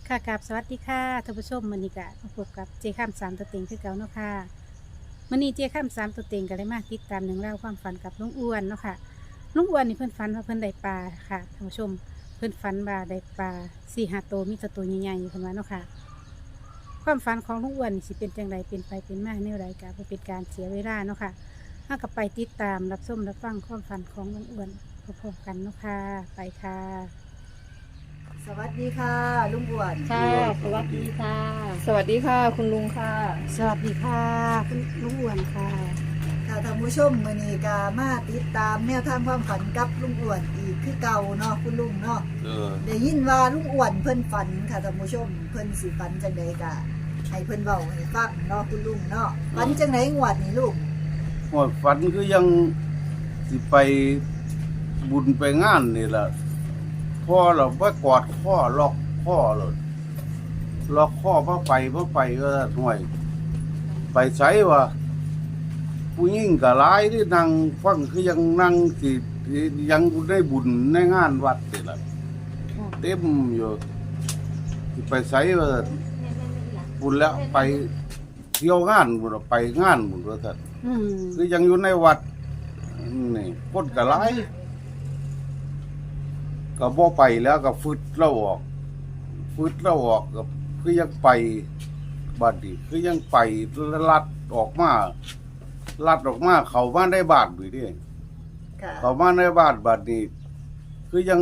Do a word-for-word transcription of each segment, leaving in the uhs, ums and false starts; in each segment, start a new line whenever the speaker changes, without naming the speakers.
ค่ะกับสวัสดีค่ะท่านผู้ชมมื้อนี้ก็มาพบกับเจข้ามสามตัวเต็งคือเก่าเนาะค่ะมื้อนี้เจข้ามสามตัวเต็งก็เลยมาติดตามหนึ่องเล่าวความฝันกับลุงอ้วนเนาะค่ะลุงอ้วนนี่เพิ่นฝันว่าเพิ่นได้ปลาค่ะท่านผู้ชมเพิ่นฝันว่าได้ปลาสี่ห้าตัวมีแต่ตัวใหญ่ๆเพิ่นว่าเนาะค่ะความฝันของลุงอ้วนนี่สิเป็นจังไดเป็นไปเป็นมาแนวใดก็บ่เป็นการเสียเวลาเนาะค่ะเฮาก็ไปติดตามรับชมรับฟังความฝันของลุงอ้วนพร้อมๆกันเนาะค่ะไปค่ะ
สวัสดีค่ะลุงอ้วน
ค่ะสวัสดีค่ะ
สวัสดีค่ะคุณลุงค่ะ
สวัสดีค่ะคุณลุงอ้วนค่ะ
ค่ะท่านผู้ชมมื้อนี้ก็มาติดตามแนวทางความฝันกับลุงอ้วนอีกคือเก่าเนาะคุณลุงเนาะ
เออ
ได้ยินว่าลุงอ้วนเพิ่นฝันค่ะท่านผู้ชมเพิ่นสิฝันจังไดก็ให้เพิ่นเว้าให้ฟังเนาะคุณลุงเนาะฝันจังไดงวดนี้ลุง
หมดฝันคือยังสิไปบุญไปงานนี่ล่ะพ่อเราไปกอดพ่อล็อกพ่อเลยล็อกพ่อพ่อไปพ่อไปก็ห่วย ไปใช้ว่าผู้หญิงก็หลายที่นั่งฟังคือยังนั่งสิยังได้บุญในงานวัดนี่ล่ะเต็มอยู่สิไปใช้ว่าบุญแล้วไปเที่ยวงานบุญไปงานบุญว่าท่าน
อืม
คือยังอยู่ในวัดนี่คนก็หลายก็บ่ไปแล้วก็ฟึดเราออกฟึดเราออกก็คือยังไปบัดนี้คือยังไปลัดออกมาลัดออกมาเข้ามาในบ้านอยู่ดิ
ค่ะ
เข้ามาในบ้านบัดนี้ คือยัง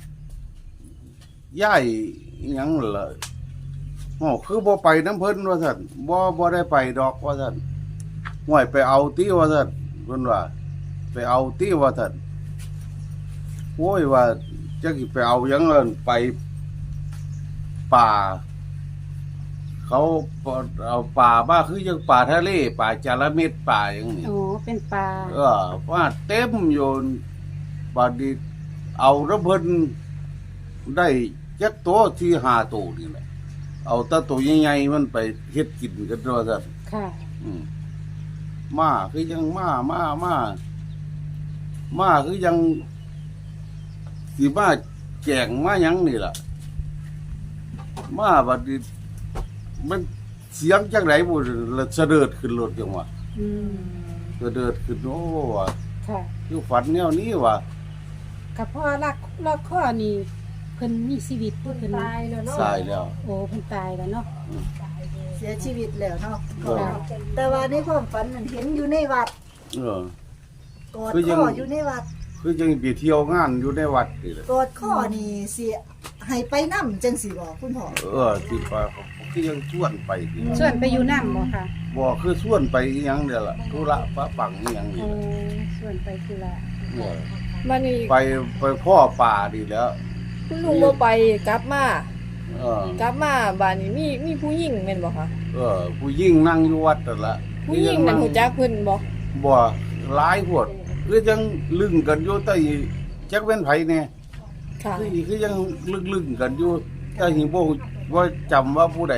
ย้ายอิหยังล่ะโอ้คือบ่ไปน้ำเพิ่นว่าซั่นบ่บ่ได้ไปดอกว่าซั่นห่วยไปเอาติว่าซั่นเพิ่นว่า ไปเอาติว่าซั่นโอ้ยว่าจักสิไปเอาหยังเอิ้นไปป่า เขาเอาป่าบ้าคือยังป่าทะเลป่าจาระเม็ดป่าอย่างนี้
โอ้เป็นปลา
เออว่าเต็มอยู่บัดนี้เอาระเบิดได้จักตัวที่ห้าตัวนี่แหละเอาแตะตัวใหญ่ๆมันไปเฮ็ดกินกันด้วยซั่น
ค่ะ
อืมมาคือยังมามามามาคือยังสิมาแจงมาหยังนี่ล่ะมาบัดนี้มันเสียงจังไดบ่ละเสด็จขึ้นรถจังว่า
อืม
เสด็จขึ้นโอ้ว่า
ค่ะ
คือฝันแนวนี้ว่า
กับพ่อรักลอกข้อนี่เพิ่นมีชีวิตเพิ่นตายแล้วเนาะ
ตายแล้ว
โอ้เพิ่นตายแล้วเนาะ
เสียชีวิตแล้วเนาะ
เออ
แต่ว่าในความฝันนั้นเห็นอยู่ในวัด
เออ
กอด
คือยัง
ข้ออยู่ในวัด
คือจังไปเที่ยวงานอยู่ในวัดนี่แหละ
กอดข้อนี่สิให้ไปนำจังสิบ่คุณพ่อ
เออที่ไปคือยังชวนไปนี่
ชวนไปอยู่น้ำบ่ค่ะ
บ่คือชวนไปอีหยังเด้อล่ะธุระปะปังอีหยังนี่
โอ้
แหละ
ชวนไปคือละ
เออ
มันนี่
ไปไปพ่อป่าดีแล้ว
คุณลุงบ่ไปกลับมา
เออก
ลับมาบ้านนี้มีมีผู้หญิงแม่นบ่คะ
เออ ผู้ยิ่งนั่งอยู่วัดนั่นละ
ผู้หญิงนั่นฮู้จักเพิ่นบ่
บ่หลายพวดคือจังลึงกันอยู่แต่จักเป็นไผแน่
ค่ะ
คือคือยังลึงๆกันอยู่แต่หิบ่ว่าจำว่าผู้ใด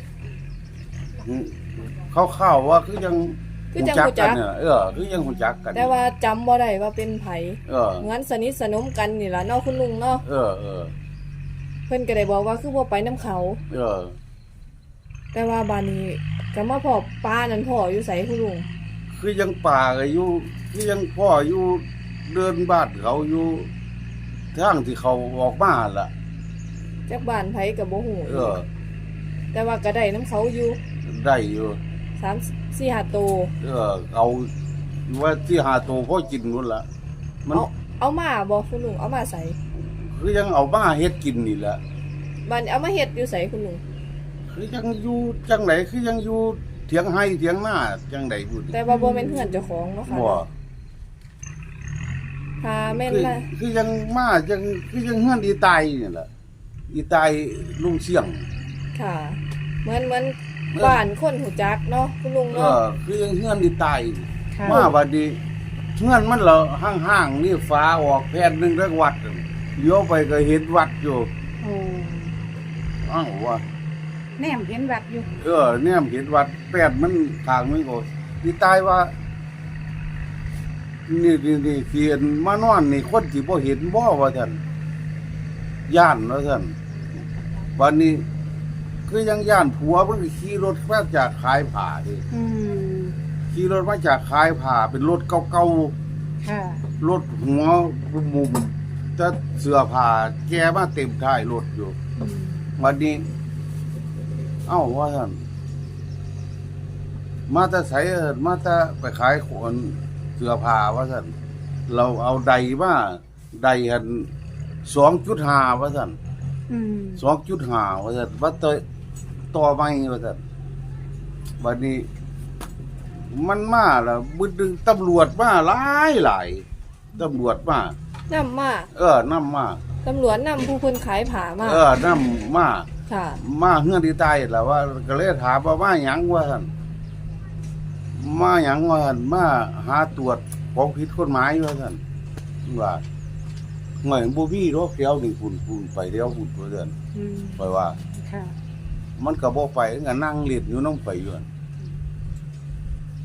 เข้าวๆว่าคือยัง
คือจังฮู้จัก
เนี่ยเออ คือยังฮู้จักกัน
แต่ว่าจำบ่ได้ว่าเป็นไผ
เออ
งั้นสนิทสนมกันนี่ล่ะเนาะคุณลุงเนาะ
เออเออ
เพิ่นก็ได้บอกว่าคือบ่ไปนํเขา
เออ
แต่ว่าบ้านนี้ก็มาพอป้านั่นพ่ออยู่ไสคุณลุง
คือยังป่าก็อยู่คือยังพ่ออยู่เดินบ้านเขาอยู่ทางที่เขาออกมาล่ะ
จักบ้านไผก็บ่ฮู้
เออ
แต่ว่าก็ได้นํเขาอยู่
ได้อยู่
สามสี่ห้าโตว
เออ เอาว่าที่หาตัวพ่อกินนู่นล่ะ มัน
เอาเอามาบ่คุณลุงเอามาใส่
คือยังเอามาเฮ็ดกินนี่แหละ
บ้านเอามาเฮ็ดอยู่ไสคุณลุง
คือยังอยู่จังไหนคือยังอยู่เถียงให้เถียงหน้าจังไหนพูด
แต่ว่าบ่แม่นเฮือนเจ้าของเนาะค่ะ
บ่
ค่ะแม่น
คือ
ละ
คือยังมาจังคือยังเฮือนอีตายนี่แหละอีตายลุงเสี่ยง
ค่ะเหมือนเหมือนบ้านคนหูจักเนาะคุณลุง
เอ
เนาะ
อคือยังเฮือนอีตาย
ค่ะ
มาบัดนี้เฮือนมันเหรอห่างๆนี่ฟ้าออกแผ่นหนึงทั้งวัดนั่นเลี้ยวไปก็เห็นวัดอยู่
โอ้
อ้าวว่า
แนมเห็นวัดอยู่
เออเนี่ยเห็นวัดแปดมันทางมันก็อีตายว่า นี่นี่นี่เขียนมานอนนี่คนที่บ่เห็นบ่ว่าท่านย่านว่าท่านวันนี้คือยังย่านผัวมันก็ขี่รถมาจากขายผ้าดิ
อืม
ขี่รถมาจากขายผ้าเป็นรถเก่า
ค่ะ
ๆรถหัวมุมจะเสื้อผ้าแกมาเต็มท้ายรถอยู่
อืม
วันนี้ เอ้าว่าท่านมาแต่ใส่มาแต่ไปขายคนเสื้อผ้าว่าท่านเราเอาใดมาใดหันสองจุดห้าว่าท่าน
อืม
สองจุดห้าว่าท่านว่าต่อต่อไม่ว่าท่านวันนี้ มันมาแล้วบึดึงตำรวจมาหลายหลายตำรวจมา
นำมา
เออนำมา
ตำรวจนำผู้เพิ่นขายผ้ามา
เออนำมา
ค่ะ
มาเฮือนที่ใต้แหละว่าก็เลยถามว่ามาหยังว่าท่านมาหยังว่าท่านมาหาตรวจของผิดกฎหมายว่าท่านว่าหน่วยบ่มีรถเดียวนี่คุณคุณไปเดียวคุณตัวเดือน
อืม
ไปว่า
ค่ะ
มันก็บ่ไปก็นั่งเล่นอยู่น้องไปอยู่นั่นไป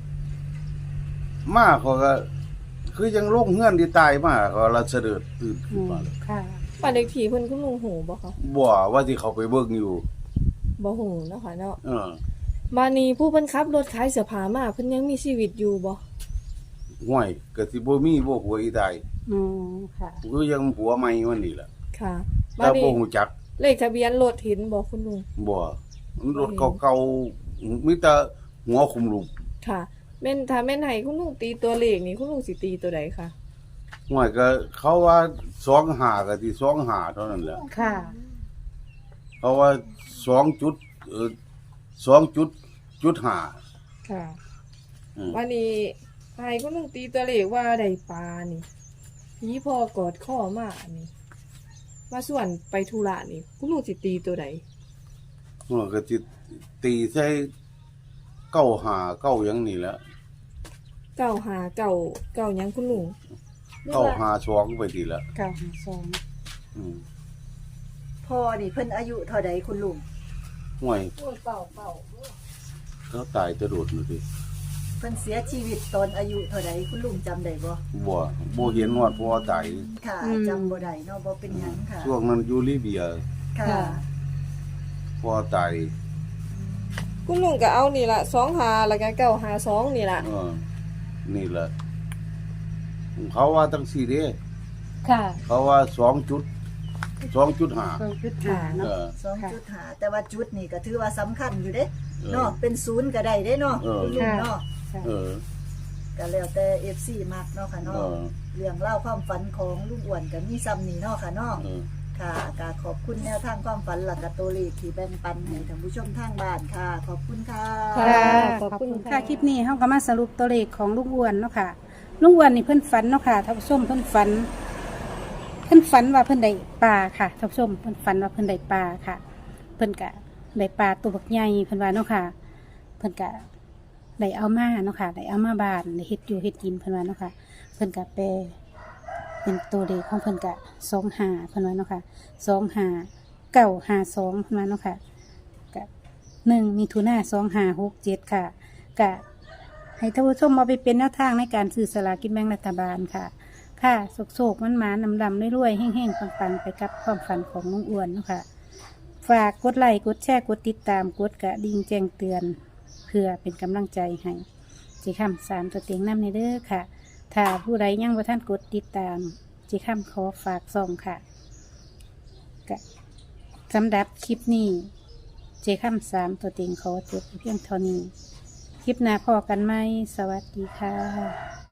มาเขาก็ คือยังลงเฮือนที่ใต้มาก็ละเสด็จตื่น
อื
ขึ้น
ม
มาเลย
ค่ะ
บ้านเลขที่เพิ่นคุณลุงหูบ่คะ
บ่ว่าที่เขาไปเบิ่งอยู่
บ่หูเนาะค่ะเนาะ
เออ
มานี่ผู้เพิ่นขับรถขายเสื้อผ้ามาเพิ่นยังมีชีวิตอยู่บ่
ห่วยก็สิบ่มีบ่หัวอีใต้
อืมค่ะ
คือยังผัวใหม่วันนี้แหละ
ค่ะมา
แต่
นี่
บ่ฮู้จัก
เลขทะเบียนรถเห็นบ่คุณลุง
บ่มันรถเก่าๆมีแต่หัวคุมลูก
ค่ะแม่นถ้าแม่นให้คุณลุงตีตัวเลขนี่คุณลุงสิตีตัวใดคะ
ห่วยก็เขาว่าสองห้าก็ที่สองห้าเท่านั้นแหละ
ค่ะ
เขาว่าสองจุดเอ่อสองจุดจุดห้า
ค่ะ
อืม
วันนี้ให้คุณลุงตีตัวเลขว่าได้ปลานี่ผีพอกอดข้อมานี่มาส่วนไปธุระนี่คุณลุงสิตีตัวใด
ห่วยก็สิตีใส่เก้าห้าเก้าหยังนี่แหละ
เก้าหาเก้าเก้าหยังคุณลุง
เก้าห้าสองไปทีละ
เก้าห้าสอง
อืม
พ่อนี่เพิ่นอายุเท่าใดคุณลุง
ห่วย
โอ้เก้าเก้า
เขาตายจะโดดนู่นสิ
เพิ่นเสียชีวิตตอนอายุเท่าใดคุณลุงจำได้บ่
บ่บ่เห็นว่าพ่อตาย
ค่ะจำบ่ได้เนาะบ่เป็นหยังค่ะ
ช่วงนั้นอยู่ลิเบีย
ค่ะ
พ่อตาย
คุณลุงก็เอานี่ละสองหาแล้วก็เก้าหาสองนี่ละ
เออ นี่แหละเขาว่าตั้งสี่เด้
ค่ะ
เขาว่าสองจุดสองจุดห้า
สองจุดห้า
เอ
เนาะ
อ
สองจุดห้าแต่ว่าจุดนี่ก็ถือว่าสำคัญอยู่เด้
เออ
เนาะเป็นศูนย์ก็ได้เด้เนาะ
เออ
คุณลุงเนาะ
ค่ะ
เออ
ก็แล้วแต่ เอฟ ซี มักเนาะค่ะ
เอ
เนาะ
อ
เรื่องเล่าวความฝันของลุงอ้วนก็มีซ้ำนี่เนาะค่ะเนาะ
เออ
ค่ะก็ขอบคุณแนวทางความฝันหลักกะตัวเลขที่แบ่งปันให้ท่านผู้ชมทางบ้านค่ะ ขอบคุณค่ะ
ค่ะ
ค่ะ
ขอบคุณ
ค่ะคลิปนี้เฮาก็มาสรุปตัวเลขของลุงอ้วนเนาะค่ะลุงอ้วนนี่เพิ่นฝันเนาะค่ะท่านผู้ชมเพิ่นฝัน เพิ่นฝันว่าเพิ่นได้ปลาค่ะท่านผู้ชมเพิ่นฝันว่าเพิ่นได้ปลาค่ะ เพิ่นก็ได้ปลาตัวบักใหญ่เพิ่นว่าเนาะค่ะ เพิ่นก็ได้เอามาเนาะค่ะได้เอามาบ้านได้เฮ็ดอยู่เฮ็ดกินเพิ่นว่าเนาะค่ะ เพิ่นก็แปลเป็นตัวเลขของเพิ่นก็สองห้าเพิ่นว่าเนาะค่ะสองห้าเก้าห้าสองเพิ่นว่าเนาะค่ะก็หนึ่งมีทุนาสองห้าหกเจ็ดค่ะก็ให้ท่านผู้ชมเอาไปเป็นแนวทางในการซื้อสลากกินแบ่งรัฐบาลค่ะ ค่ะโศกๆมันหมานำดำๆรวยๆแห้งๆปังๆไปกับความฝันของลุงอ้วนเนาะค่ะ ฝากกดไลค์กดแชร์กดติดตามกดกระดิ่งแจ้งเตือน เพื่อเป็นกำลังใจให้เจีคำสามตัวเต็งน้ำในเด้อค่ะ ถ้าผู้ใดยังว่าท่านกดติดตามเจีคำขอฝากส่องค่ะกะสำหรับคลิปนี้เจีคำสามตัวเต็งขอจบเพียงเท่านี้ คลิปหน้าพอกันไหมสวัสดีค่ะ